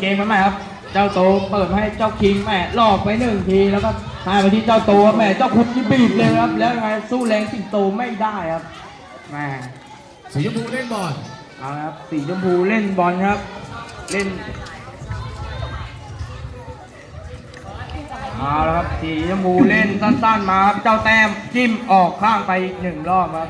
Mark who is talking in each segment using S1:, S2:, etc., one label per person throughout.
S1: เกมกันไหมครับเจ้าโตเปิดให้เจ้าคิงแม่หลอกไป1 ทีแล้วก็ให้ไปที่เจ้าโตแม่เจ้าคุณที่บีบเลยครับแล้วไงสู้แรงสิงโตไม่ได้ครับแม่
S2: สีชมพูเล่นบอล
S1: เอาครับสีชมพูเล่นบอลครับเล่นเอาแล้วครับสีชมพูเล่นสั้นๆมาครับเจ้าแต้มจิ้มออกข้างไปอีก1 รอบครับ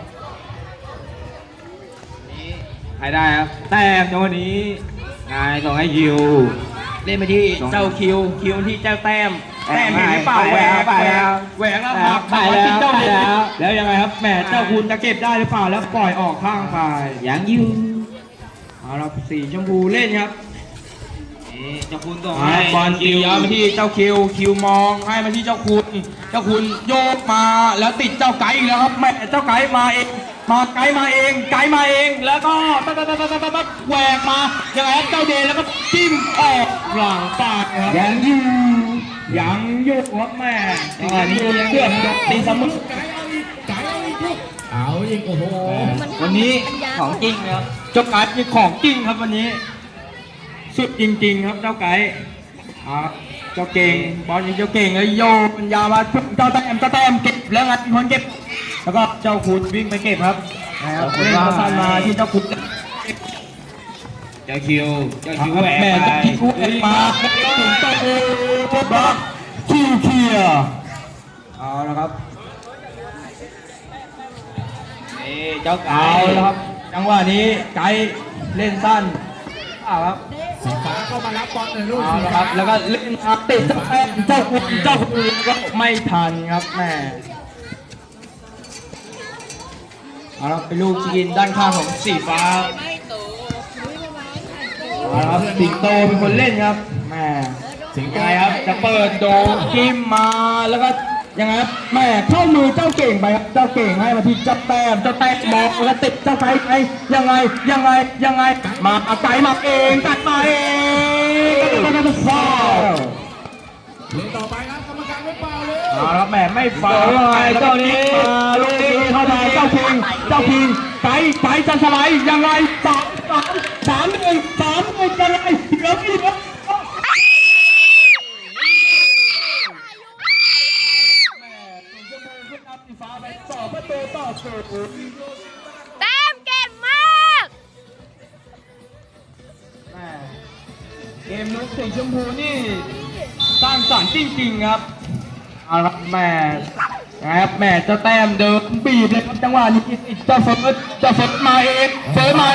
S1: ใครได้ครับแต้มจังหวะนี้นายส่งให้คิวเล่นไปที่เจ้าคิวที่เจ้าแต้มเห็นหรือเปล่าแหวกแล้วพักไปแล้วเจ้าแล้วยังไงครับแหมเจ้าคุณจะเก็บได้หรือเปล่าแล้วปล่อยออกข้างไป
S3: ยังอยู่
S1: เอาละสีชมพูเล่นครับ
S3: เจ้าคุณส่งให้
S1: บอลคิวมาที่เจ้าคิวมองให้มาที่เจ้าคุณโยกมาแล้วติดเจ้าไก่อีกแล้วครับแม่เจ้าไก่มาเองไก่มาเองแล้วก็แหวกมายังไงครับเจ้าเดนแล้วก็จิ้มออกหลังปากครับยังอยู่ครับแม่ตอนนี้เกือบตีเสมอ
S2: เอาอีกโอ้โห
S1: วันนี้ของจริงครับเจ้าไก่มีของจริงครับวันนี้สุดจริงๆครับเจ้าไก่เจ้าเก่งบอลยิงเจ้าเก่งแล้วโยนยาวมาเจ้าแต้มเก็บแล้วงัดคนเก็บแล้วก็เจ้าคุณวิ่งไปเก็บครับเล่นมาสั้นมาที่เจ้าคุณ
S3: เจ้าคิว
S1: แหวกมาถึงเจ้าคุณบล็อกเคลียร์เอาละครับ
S3: เจ้าไก่
S1: แล้วครับจังหวะนี้ไก่เล่นสั้นครับ
S2: สีฟ้าก็มารับบอลในลูก
S1: ครับแล้วก็เล่นติดเจ้าคุณก็ไม่ทันครับแม่เอาละเป็นลูกยิงด้านข้างของสีฟ้าเอาละสิงโตเป็นคนเล่นครับแม่สิงโตครับจะเปิดโดนกิมมาแล้วก็ยังไงครับแม่เข้ามือเจ้าเก่งไปครับเจ้าเก่งให้มาที่เจ้าแต้มมองแล้วติดเจ้าไก่ไปยังไงมาเอาไก่มาเองตัดมาเองฟาว
S2: เล่นต่อไปครับกรรมการไม่เป่าเลย
S1: เอาละแม่ไม่ฟาวเลยเจ้านี้ลูกนี้เข้ามาเจ้าคิงไก่จะสไลด์ยังไง3-1จะไงเหลือกี่
S4: แต้มเก่งมาก
S1: เกมลูกสีชมพูนี่สร้างสรรค์จริงๆครับเอาละแม่นะครับแม่จะแต้มเดินบีบเลยครับจังหวะนี้จะเฟิร์สมาเองเฟิร์สยังไง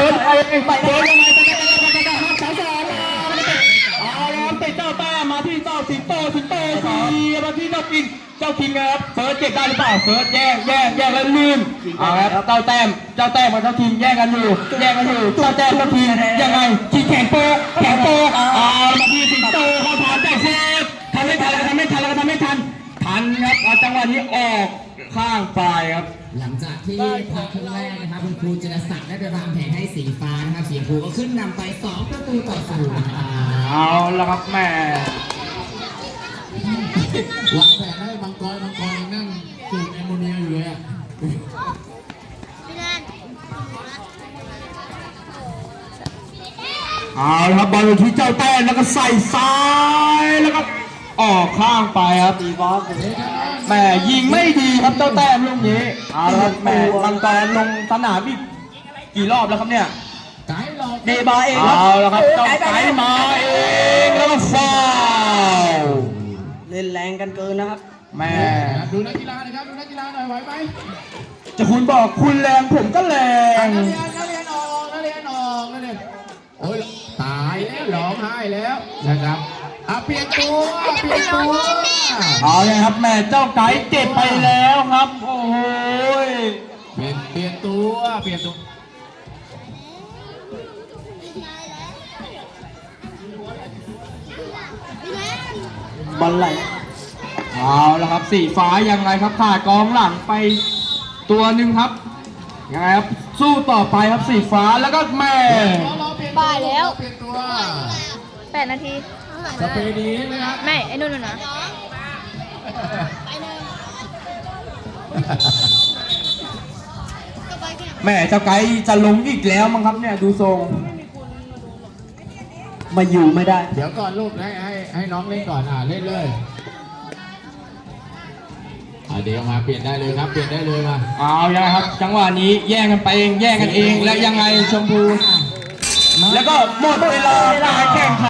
S1: เอาละติดเจ้าแต้มมาที่เจ้าสิงโตมาที่เจ้าคิงครับเฟิร์สเก็บได้หรือเปล่าเฟิร์สแย่งแล้วลื่นเอาครับเจ้าแต้มกับเจ้าคิงแย่งกันอยู่เจ้าแต้มเจ้าคิงยังไงคิงแข่งโป๊เอามาที่สิงโตเขาถอนเจ้าเฟิร์สทำไม่ทันทันครับเอาจังหวะนี้ออกข้างปลายครับ
S5: หลังจากที่พักครึ่งแรกนะครับคุณครูจิรศักดิ์ได้ไปวางแผนให้สีฟ้านะครับสีชมพูก็ขึ้นนำไป2-0นะครับ
S1: เอาละครับแม่
S2: วางแผนให้มังกรนั่งสูบแอมโมเนียอยู่เลย
S1: เอาละครับบอลที่เจ้าแต้มแล้วก็ใส่ซ้ายแล้วก็ออกข้างไปครับตีบอลแม่ยิงไม่ดีครับเจ้าแต้มลูกนี้เอาละครับแม่มังกรลงสนามอีกกี่รอบแล้วครับเนี่ย
S5: เดบาเอง
S1: เอาละครับเจ้าไก่มาเองแล้วก็ฟาว
S3: เล่นแรงกันเกินนะครับ
S1: แม่
S2: ดูนักกีฬาหน่อยครับดูนักกีฬาหน่อยไหวไหม
S1: จะคุณบอกคุณแรงผมก็แรง
S2: นักเรียนออกโอ้ยตายแล้วร้องไห้แล้วนะครับเปลี่ยนตัว
S1: เอาเลยครับแม่เจ้าไก่เจ็บไปแล้วครับโอ้โห
S2: เปลี่ยนตัว
S1: บอลไหลเอาละครับสีฟ้ายังไงครับขาดกองหลังไปตัวหนึ่งครับยังไงครับสู้ต่อไปครับสีฟ้าแล้วก็แม่
S4: บ่ายแล้ว
S2: เปลี่ยนตัว
S4: 8 นาที
S2: สเปรย์ดีไหมครับ
S4: ไม่ไอ้นู่นนะ
S1: แม่เจ้าไก่จะลงอีกแล้วมั้งครับเนี่ยดูทรง
S3: มาอยู่ไม่ได้
S2: เดี๋ยวก่อนลูกให้น้องเล่นก่อนเล่นเลยเดี๋ยวมาเปลี่ยนได้เลยครับเปลี่ยนได้เลยมา
S1: เอายังไงครับ จังหวะนี้แย่งกันไปเองแย่งกันเองแล้วยังไงชมพู แล้วก็หมดเวลาการแข่งขัน